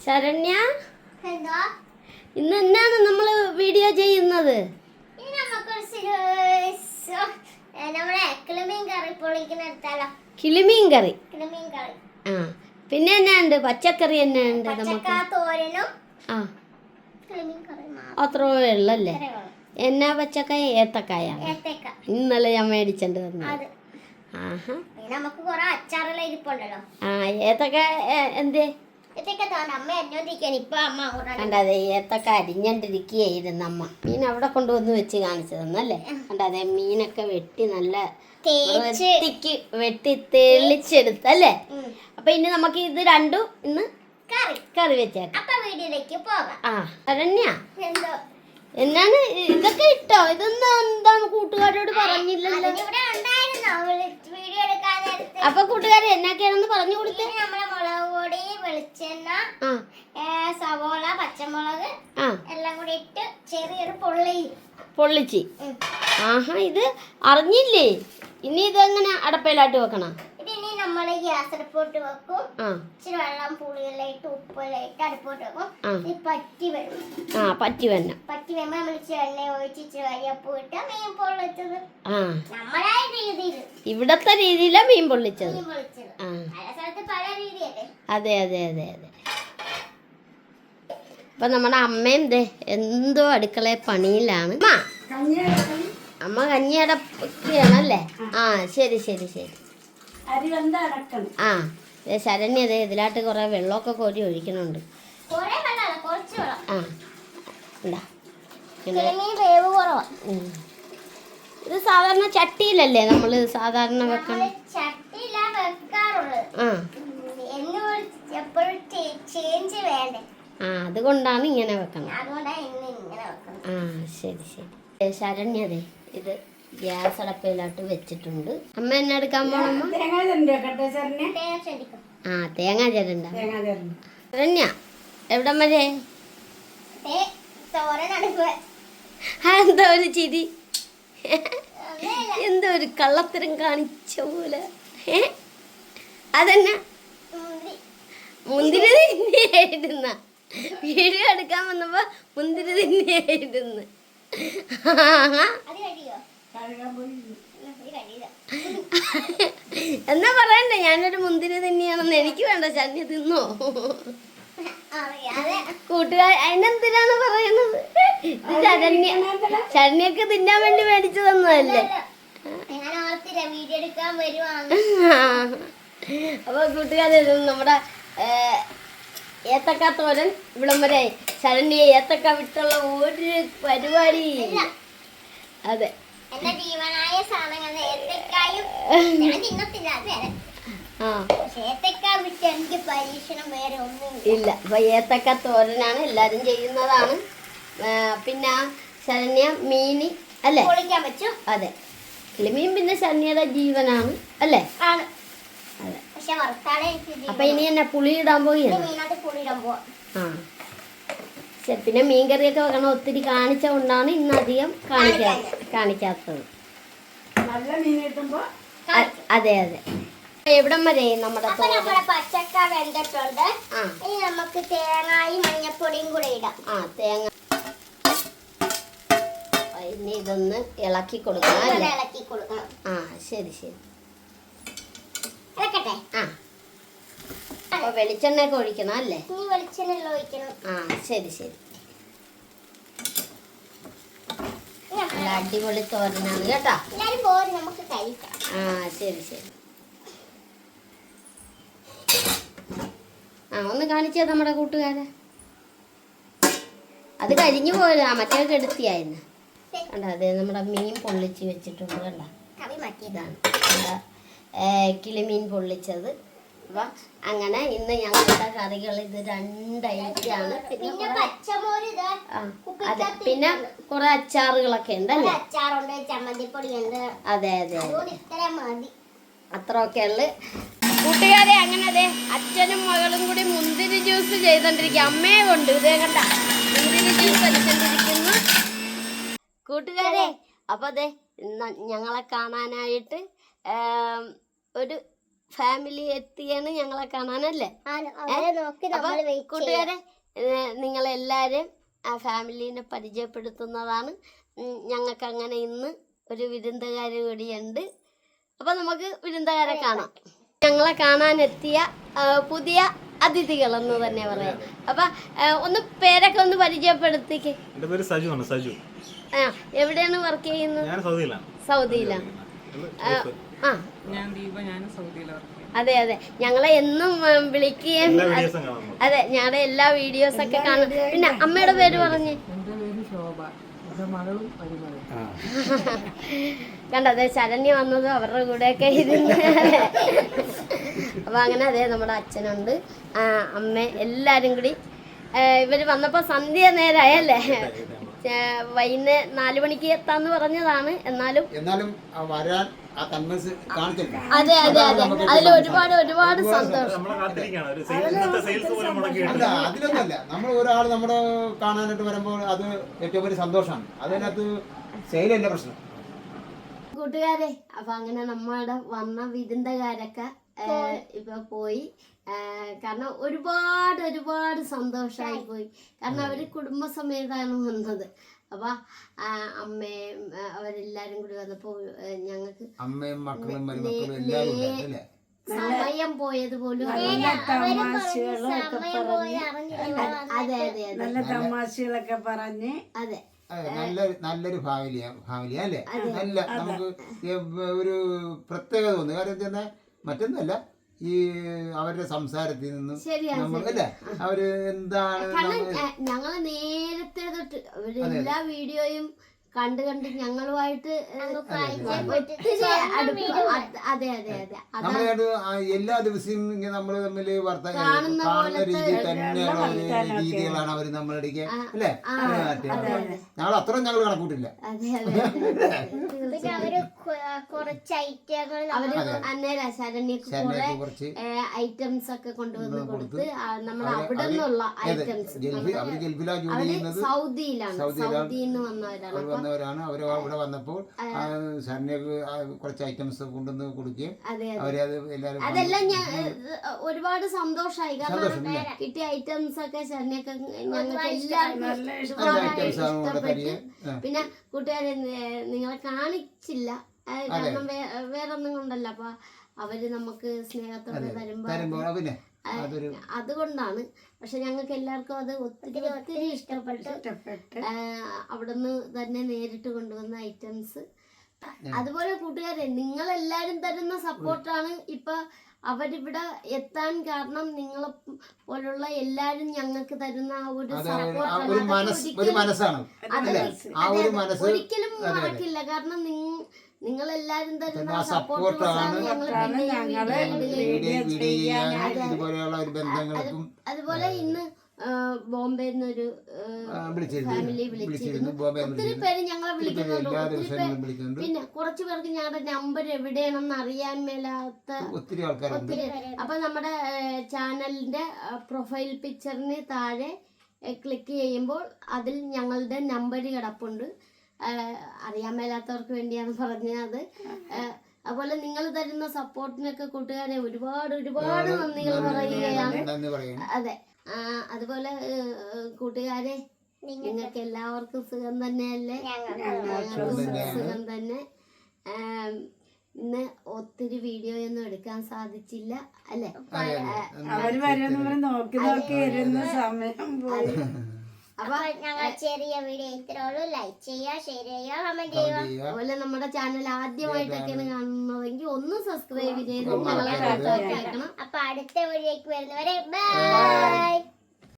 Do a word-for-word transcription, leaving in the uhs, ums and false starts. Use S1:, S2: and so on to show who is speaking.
S1: ശരണ്യ, ഇന്ന് എന്നാണ് നമ്മൾ വീഡിയോ ചെയ്യുന്നത്? കിളിമീൻ കറി. ആ, പിന്നെ എന്നാ ഉണ്ട്? പച്ചക്കറി എന്നാ ഉണ്ട്? നമുക്ക് ആ അത്രേ ഉള്ളല്ലേ? എന്നാ പച്ചക്കായ? ഏത്തക്കായ. ഇന്നലെ ഞാൻ മേടിച്ചിട്ട് തന്നത്. ആഹാ,
S2: നമുക്ക് കുറെ അച്ചാറെല്ലാം ഇരിപ്പുണ്ടല്ലോ.
S1: ആ, ഏത്തക്ക എന്തേ?
S2: കണ്ടതെ
S1: ഏത്തൊക്കെ അരിഞ്ഞണ്ടിരിക്കുകയായിരുന്നു അമ്മ. മീൻ അവിടെ കൊണ്ടുവന്ന് വെച്ച് കാണിച്ചു തന്നല്ലേ? കണ്ടതെ മീനൊക്കെ വെട്ടി നല്ല വൃത്തിക്ക് വെട്ടി തെളിച്ചെടുത്തല്ലേ? അപ്പൊ ഇനി നമുക്ക് ഇത് രണ്ടും ഇന്ന്
S2: കറി
S1: കറി വെച്ചേക്കാം.
S2: അപ്പൊ വീഡിയോയിലേക്ക് പോകാം.
S1: ആ ശരണ്യ, എന്നാണ് ഇതൊക്കെ ഇട്ടോ? ഇതൊന്നും എന്താണ് കൂട്ടുകാരോട് പറഞ്ഞില്ലല്ലോ? അപ്പൊ കൂട്ടുകാരെ എന്നാക്കെയാണെന്ന് പറഞ്ഞു കൊടുത്തേ.
S2: നമ്മളെ മുളക് പൊടി, വെളിച്ചെണ്ണ, സവോള, പച്ചമുളക് എല്ലാം കൂടി ഇട്ട് ചെറിയൊരു പൊള്ളി
S1: പൊള്ളിച്ച്. ആഹാ, ഇത് അറിഞ്ഞില്ലേ? ഇനി ഇതെങ്ങനെ അടപ്പയിലാട്ട് വെക്കണം?
S2: ഇതിനി നമ്മൾ ഗ്യാസ് അടുപ്പോട്ട് വെക്കും. ഇച്ചിരി വെള്ളം, പുളിയെല്ലാം ഇട്ട് ഉപ്പെല്ലാം ഇട്ട് അടുപ്പോട്ട് വെക്കും. ഇത് പറ്റി വരും.
S1: ആ, പറ്റി വന്ന
S2: പറ്റി വരുമ്പോ നമ്മൾ ഇച്ചിരി എണ്ണ ഒഴിച്ച് ഇച്ചിരി കരിയപ്പൂ ഇട്ട് മീൻ പൊള്ളിച്ചത്. ആ, നമ്മളായ രീതിയിൽ,
S1: ഇവിടത്തെ രീതിയിലാ മീൻ പൊള്ളിച്ചത്.
S2: മീൻ പൊള്ളിച്ചത് പല സ്ഥലത്ത് പല രീതിയല്ലേ?
S1: അതെ അതെ അതെ അതെ. അപ്പൊ നമ്മുടെ അമ്മയും ദേ എന്തോ അടുക്കള പണിയിലാണ്. അമ്മ കഞ്ഞിയടക്കുകയാണല്ലേ? ആ, ശരി ശരി ശരി. ആ, ശരണ്യ അതെ ഇതിലാട്ട് കുറെ വെള്ളമൊക്കെ കോരി ഒഴിക്കണുണ്ട്. ആ, ഇത് സാധാരണ ചട്ടിയിലല്ലേ നമ്മൾ സാധാരണ വെക്കണം? ആ, അതുകൊണ്ടാണ് ഇങ്ങനെ വെക്കണം. ആ, ശരി ശരി. ശരണ്യ അതെ ഇത് ഗ്യാസ് അടപ്പയിലോട്ട് വെച്ചിട്ടുണ്ട്. അമ്മ എന്നെ എടുക്കാൻ പോണമ്മ? ആ, തേങ്ങ ചിരണ്ട. ശരണ്യ എവിടം വരെ? എന്താ ഒരു ചിരി? എന്തോ ഒരു കള്ളത്തരം കാണിച്ച പോലെ. ഏ അതെന്നാ? മുന്തിരി തിന്നെയായിരുന്ന വീഡിയോ എടുക്കാൻ വന്നപ്പോ മുന്തിരി തിന്നെയായിരുന്നു. എന്നാ പറയണ്ടേ ഞാനൊരു മുന്തിരി തിന്നിയാണെന്ന്? എനിക്ക് വേണ്ട, ശരണ്യ തിന്നോ? കൂട്ടുകാർ അതിനെന്തിനാണ് പറയുന്നത്? ഇത് ശരണ്യ ശരണ്യക്ക് തിന്നാൻ വേണ്ടി മേടിച്ചു തന്നതല്ലേ? അപ്പൊ കൂട്ടുകാരെ നമ്മുടെ ഏത്തക്ക തോരൻ ഇവിടം വരെ. ശരണ്യ ഏത്തക്ക വിട്ടുള്ള ഒരു പരിപാടി. അതെ, ഇല്ല. അപ്പൊ ഏത്തക്ക തോരനാണ് എല്ലാരും ചെയ്യുന്നതാണ്. പിന്നെ ശരണ്യ മീന് അല്ലേ? അതെ, കിളിമീൻ പിന്നെ ശരണ്യയുടെ ജീവനാണ് അല്ലേ? അതെ. അപ്പൊ ഇനി എന്നെ പുളി ഇടാൻ പോവുകയാണ്. ആ ശരി. പിന്നെ മീൻകറിയൊക്കെ വെക്കണം. ഒത്തിരി കാണിച്ച കൊണ്ടാണ് ഇന്ന് അധികം കാണിക്കാ കാണിക്കാത്തത്. അതെ അതെ. എവിടം വരെ നമ്മുടെ
S2: പച്ചക്ക വെന്തിട്ടുണ്ട്. ഇനി നമുക്ക് തേങ്ങയും മഞ്ഞപ്പൊടിയും കൂടെ ഇടാം. ആ, തേങ്ങ
S1: ഇനി ഇതൊന്ന് ഇളക്കി കൊടുക്കണം അല്ലേ?
S2: ഇളക്കി കൊടുക്കണം.
S1: ആ, ശരി ശരി.
S2: ഇളക്കട്ടെ.
S1: ആ, അപ്പൊ വെളിച്ചെണ്ണയൊക്കെ ഒഴിക്കണം അല്ലേ?
S2: ഇനി വെളിച്ചെണ്ണ ഒഴിക്കണം.
S1: ആ, ശരി ശരി. നല്ല അടിപൊളി തോരനാണ് കേട്ടോ.
S2: എല്ലാരും പോര്, നമുക്ക് കഴിക്കാം.
S1: ആ, ശരി ശരി. ആ, ഒന്ന് കാണിച്ചേ നമ്മുടെ കൂട്ടുകാരെ. അത് കരിഞ്ഞു പോയതാ, മറ്റേ കെടുത്തിയായിരുന്നു. കണ്ട അതെ നമ്മുടെ മീൻ പൊള്ളിച്ച് വെച്ചിട്ടുണ്ട്. കണ്ട ഇതാണ് കിളിമീൻ പൊള്ളിച്ചത്. അപ്പൊ അങ്ങനെ ഇന്ന് ഞങ്ങളുടെ കറികൾ ഇത് രണ്ടൈറ്റാണ്.
S2: പിന്നെ പച്ചമോര്,
S1: അതെ, പിന്നെ കുറെ അച്ചാറുകളൊക്കെ ഉണ്ടല്ലേ?
S2: അച്ചാറുണ്ട്, ചമ്മന്തിപ്പൊടി ഉണ്ട്.
S1: അതെ അതെ,
S2: ഇത്ര മതി.
S1: അത്രയൊക്കെ ഉള്ളു കൂട്ടുകാരെ. അങ്ങനെ അതെ അച്ഛനും മകളും കൂടി മുന്തിരി ജ്യൂസ് ചെയ്തോണ്ടിരിക്കുക. അമ്മയെ കൊണ്ട് ഇതേ കണ്ട മുന്തിരി ജ്യൂസ് അടിച്ചോണ്ടിരിക്കുന്നു കൂട്ടുകാരെ. അപ്പൊ അതെ ഞങ്ങളെ കാണാനായിട്ട് ഒരു ഫാമിലി എത്തിയാണ് ഞങ്ങളെ കാണാനല്ലേ.
S2: അവരെ നോക്കി
S1: അപ്പൊ
S2: നമ്മൾ വെയിറ്റ്
S1: കൂട്ടുകാരെ ഏഹ്, നിങ്ങളെല്ലാവരും ആ ഫാമിലീനെ പരിചയപ്പെടുത്തുന്നതാണ്. ഉം, ഞങ്ങൾക്ക് അങ്ങനെ ഇന്ന് ഒരു വിരുന്നുകാർ കൂടിയുണ്ട്. അപ്പൊ നമുക്ക് വിരുന്നുകാരെ കാണാം. ഞങ്ങളെ കാണാനെത്തിയ ആ, പുതിയ അതിഥികളെന്ന് തന്നെ പറയാം. അപ്പൊ ആ, ഒന്ന് പേരൊക്കെ ഒന്ന് പരിചയപ്പെടുത്തിക്ക്.
S3: എൻ്റെ പേര് സജു ആണ്. സജു.
S1: ആ, എവിടെയാണ് വർക്ക് ചെയ്യുന്നത്?
S3: ഞാൻ സൗദിയിലാണ്.
S1: സൗദിയിലാണ്. ആ
S4: ഞാൻ ദീപ, ഞാൻ സൗദിയിലാണ്.
S1: അതെ അതെ, ഞങ്ങളെ എന്നും ഉം, വിളിക്കുകയും
S3: എല്ലാ വീഡിയോസും കാണാൻ നോക്കും.
S1: അതെ ഞങ്ങളുടെ എല്ലാ വീഡിയോസ് ഒക്കെ കാണും. പിന്നെ അമ്മയുടെ പേര് പറഞ്ഞേ.
S4: എൻ്റെ പേര് ശോഭ, എൻ്റെ മകളും പരിമളയും.
S1: കണ്ടോ, അതെ ശരണ്യ വന്നതും അവരുടെ കൂടെയൊക്കെ ഇരുന്ന്. അപ്പൊ അങ്ങനെ അതെ നമ്മുടെ അച്ഛനുണ്ട്, ആ, അമ്മ, എല്ലാരും കൂടി ഇവര് വന്നപ്പോ സന്ധ്യ നേരമായല്ലേ. വൈകുന്നേ നാലു മണിക്ക് എത്താന്ന് പറഞ്ഞതാണ്. എന്നാലും
S5: എന്നാലും ആ വരാൻ ആ കൺവെൻസ് കാണിച്ചില്ല.
S1: അതെ അതെ അതെ, അതിൽ ഒരുപാട് ഒരുപാട് സന്തോഷം.
S3: നമ്മളെ കാത്തിരിക്കുകയാണ്. ഒരു സെയിൽ- ഇന്നത്തെ സെയിൽസ് പോലും
S5: അല്ല,
S3: മുടക്കിയിട്ടുണ്ട്.
S5: അതിലൊന്നുമല്ല. നമ്മൾ ഒരാൾ നമ്മുടെ കാണാനായിട്ട് വരുമ്പോൾ അത് ഏറ്റവും വലിയ സന്തോഷമാണ്. അതിനകത്ത് സെയിലല്ല പ്രശ്നം.
S1: കൂട്ടുകാരെ, അപ്പൊ അങ്ങനെ നമ്മുടെ വന്ന വിരുന്നുകാരൊക്കെ ഏഹ്, ഇപ്പൊ പോയി. ഏഹ്, കാരണം ഒരുപാട് ഒരുപാട് സന്തോഷമായി പോയി. കാരണം അവര് കുടുംബസമേതാണ് വന്നത്. അപ്പൊ ആ, അമ്മയും ആ, അവരെല്ലാരും കൂടി വന്നപ്പോ ഏഹ്, ഞങ്ങൾക്ക്
S5: അമ്മയും മക്കളും മരുമക്കളും എല്ലാവരും ഉണ്ടായിരുന്നു അല്ലേ?
S1: സമയം പോയത് പോലും അറിയില്ല. അതെ അതെ അതെ
S4: നല്ല തമാശകളൊക്കെ പറഞ്ഞ്
S1: അതെ
S5: അതെ, നല്ലൊരു നല്ലൊരു ഫാമിലിയാ ഫാമിലിയാ അല്ലേ? നല്ല നമുക്ക് ഈ ഒരു പ്രത്യേകത തോന്നുന്നു. കാരണം വെച്ചാൽ മറ്റൊന്നുമല്ല, ഈ അവരുടെ സംസാരത്തിൽ നിന്നും
S1: ശരിയാണ്,
S5: നമ്മൾ അല്ലേ അവര് എന്താണ്
S1: കാരണം
S5: നമ്മൾ-
S1: ഞ- ഞങ്ങള് നേരത്തെ തൊട്ട് അവര് എല്ലാ വീഡിയോയും കണ്ട് കണ്ട് ഞങ്ങളുമായിട്ട് ഏഹ്, ഒത്തിരി അടുപ്പം. അത് അതെ അതെ അതെ അതാ
S5: നമ്മളായിട്ട് ആ എല്ലാ ദിവസവും ഇങ്ങനെ നമ്മൾ തമ്മിൽ വർത്തമാനം
S1: കാണുന്ന
S5: കാണുന്ന
S1: പോലത്തെ
S5: രീതി തന്നെയുള്ള ഒരു രീതികളാണ് അവർ നമ്മളിടയ്ക്ക് അല്ലേ? ഞങ്ങൾ അത്രയും ഞങ്ങൾ കണക്കൂട്ടില്ല.
S1: അതെ അതെ അതെ അതെ.
S2: പിന്നെ അവര് കൊ- കുറച്ച് ഐറ്റങ്ങൾ
S1: അവര് അന്നേരം ശരണ്യക്ക് കുറെ
S5: ശരണ്യക്ക് കുറച്ച്
S1: ഐറ്റംസ് ഒക്കെ കൊണ്ടുവന്ന് കൊടുത്ത് നമ്മൾ
S5: അവര്
S1: അവിടെ
S5: അവര്
S1: നിന്നുള്ള
S5: ഏത്
S1: ഐറ്റംസ്.
S5: ഗൾഫിൽ അവര് ഗൾഫിലാണ് ജോലി
S1: അവര്
S5: ചെയ്യുന്നത്.
S1: സൗദിയിലാണ്,
S5: സൗദിയിലാണ്.
S1: സൗദിയിൽ നിന്ന് വന്നവരാണ്.
S5: അവർ
S1: അപ്പൊ
S5: വന്നവരാണ്. അവർ അവിടെ വന്നപ്പോൾ ശരണ്യക്ക് കുറച്ച് ഐറ്റംസ് കൊണ്ടുവന്ന് കൊടുക്കുകയും
S1: അതെ അതെ
S5: അവരെ അത് എല്ലാവരും
S1: അതെല്ലാം ഞാൻ ഒരുപാട് സന്തോഷമായി. കാരണം
S5: സന്തോഷം,
S1: കിട്ടിയ ഐറ്റംസ് ഒക്കെ ശരണ്യൊക്കെ ഞങ്ങൾക്ക് എല്ലാവർക്കും ഒരുപാട്
S5: ഐറ്റംസ് ആണ് ഇവിടെ
S1: ഇഷ്ടപ്പെട്ട്.
S5: തരികയും ആ.
S1: പിന്നെ കൂട്ടുകാരെ നി- നിങ്ങളെ കാണിച്ചില്ല, അത് കാരണം വേ- വേറൊന്നും കൊണ്ടല്ല. അപ്പൊ അവര് നമുക്ക് സ്നേഹത്തോടെ തരുമ്പോ
S5: തരുമ്പോൾ പിന്നെ
S1: ആ,
S5: അതൊരു
S1: അതുകൊണ്ടാണ്. പക്ഷെ ഞങ്ങൾക്ക് എല്ലാവർക്കും അത് ഒത്തിരി ഒത്തിരി ഇഷ്ടപ്പെട്ടു. ആ, അവിടുന്ന് തന്നെ നേരിട്ട് കൊണ്ടുവന്ന ഐറ്റംസ്. അതുപോലെ കൂട്ടുകാരെ, നിങ്ങളെല്ലാരും തരുന്ന സപ്പോർട്ടാണ് ഇപ്പൊ അവരിവിടെ എത്താൻ കാരണം. നിങ്ങളെ പോലുള്ള എല്ലാരും ഞങ്ങൾക്ക് തരുന്ന ആ ഒരു
S5: അത് ആ
S1: സപ്പോർട്ടാണ്.
S5: ഒരു മനസ്സ് ഒരു മനസ്സാണ് അല്ലേ? ആ ഒരു മനസ്സ്
S1: ഒരിക്കലും മറക്കില്ല. കാരണം നിങ്ങൾ എല്ലാരും തരുന്ന
S5: ആ
S1: സപ്പോർട്ടാണ്
S5: സപ്പോർട്ടാണ്
S1: ഞങ്ങൾ
S5: വീഡിയോ വീഡിയോ ചെയ്യാൻ ഇതുപോലെയുള്ള ഒരു ബന്ധങ്ങൾക്കും.
S1: അതുപോലെ ഇന്ന് ബോംബെ നിന്നൊരു
S5: വിളിച്ചിരുന്നു
S1: ഫാമിലി
S5: വിളിച്ചിരുന്നു
S1: വിളിച്ചിരുന്നു.
S5: ബോംബെ
S1: ഒത്തിരി പേര് ഞങ്ങളെ വിളിക്കുന്നുണ്ട്.
S5: എല്ലാ
S1: ഒത്തിരി
S5: ദിവസവും
S1: പേര്
S5: വിളിക്കുന്നുണ്ട്.
S1: പിന്നെ കുറച്ചു പേർക്ക് ഞങ്ങളുടെ നമ്പർ എവിടെയാണെന്ന് അറിയാൻ മേലാത്ത
S5: ഒത്തിരി ആൾക്കാരുണ്ട്.
S1: ഒത്തിരി. അപ്പൊ നമ്മുടെ ചാനലിന്റെ പ്രൊഫൈൽ പിക്ചറിന് താഴെ ക്ലിക്ക് ചെയ്യുമ്പോൾ അതിൽ ഞങ്ങളുടെ നമ്പർ കിടപ്പുണ്ട്. അറിയാൻ മേലാത്തവർക്ക് വേണ്ടിയാണ് പറഞ്ഞത്. അതുപോലെ നിങ്ങൾ തരുന്ന സപ്പോർട്ടിനൊക്കെ കൂട്ടുകാരെ ഒരുപാട് ഒരുപാട് നന്ദികൾ പറയുകയാണ്.
S5: നന്ദി പറയുന്നു.
S1: അതെ. ആ, അതുപോലെ ഏഹ്, കൂട്ടുകാരെ, നിങ്ങൾക്ക് എല്ലാവർക്കും സുഖം തന്നെയല്ലേ? ഞങ്ങൾക്കും സുഖം തന്നെ. ആം, ഇന്ന് ഒത്തിരി വീഡിയോ ഒന്നും എടുക്കാൻ സാധിച്ചില്ല അല്ലേ?
S4: അവര് വരുന്ന നോക്കി നോക്കി ഇരുന്ന സമയം പോയി.
S1: അപ്പൊ
S2: ഞങ്ങൾ ചെറിയ വീഡിയോ ഇത്രയുള്ളൂ. ലൈക്ക് ചെയ്യുക, ഷെയർ ചെയ്യുക, കമന്റ് ചെയ്യുക.
S1: അതുപോലെ നമ്മുടെ ചാനൽ ആദ്യമായിട്ടൊക്കെയാണ് കാണുന്നതെങ്കിൽ ഒന്ന് സബ്സ്ക്രൈബ് ചെയ്ത് ഞങ്ങളെ കേൾക്കണം.
S2: അപ്പൊ അടുത്ത വീഡിയോക്ക് വരുന്നവരെ ബൈ.